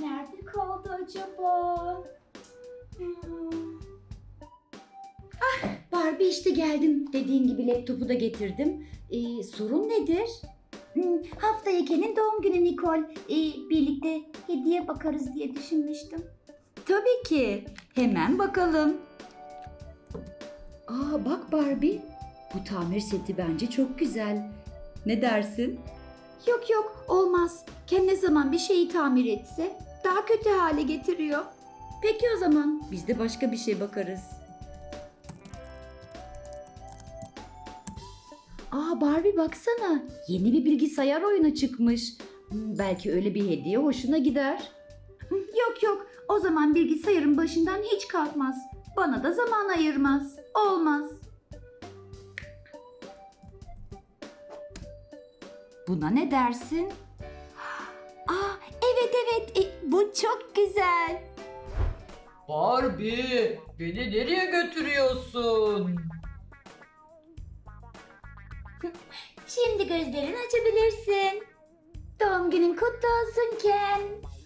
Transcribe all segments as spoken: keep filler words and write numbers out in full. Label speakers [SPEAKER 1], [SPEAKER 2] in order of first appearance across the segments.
[SPEAKER 1] Nerede kaldı acaba? Hmm. Ah, Barbie işte geldim. Dediğin gibi laptopu da getirdim. Ee, sorun nedir? Hmm, haftaya Ken'in doğum günü Nicole. Ee, birlikte hediye bakarız diye düşünmüştüm. Tabii ki. Hemen bakalım. Aa bak Barbie. Bu tamir seti bence çok güzel. Ne dersin? Yok yok olmaz. Ken ne zaman bir şeyi tamir etse daha kötü hale getiriyor. Peki o zaman biz de başka bir şey bakarız. Aa Barbie baksana. Yeni bir bilgisayar oyunu çıkmış. Hmm, Belki öyle bir hediye hoşuna gider. Hı, Yok yok. O zaman bilgisayarın başından hiç kalkmaz. Bana da zaman ayırmaz. Olmaz. Buna ne dersin? Aa evet evet. E, bu çok güzel.
[SPEAKER 2] Barbie, beni nereye götürüyorsun?
[SPEAKER 1] Şimdi gözlerini açabilirsin. Doğum günün kutlu olsun Ken.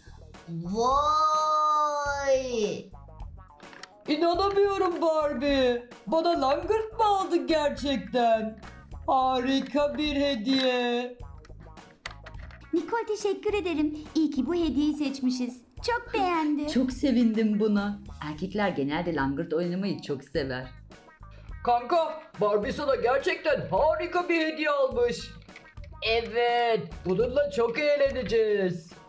[SPEAKER 3] Vay!
[SPEAKER 2] İnanamıyorum Barbie. Bana langırt mı aldın gerçekten? Harika bir hediye.
[SPEAKER 1] Nicole teşekkür ederim. İyi ki bu hediyeyi seçmişiz. Çok beğendi.
[SPEAKER 4] Çok sevindim buna. Erkekler genelde langırt oynamayı çok sever.
[SPEAKER 2] Kanka, Barbie sana gerçekten harika bir hediye almış. Evet, bununla çok eğleneceğiz.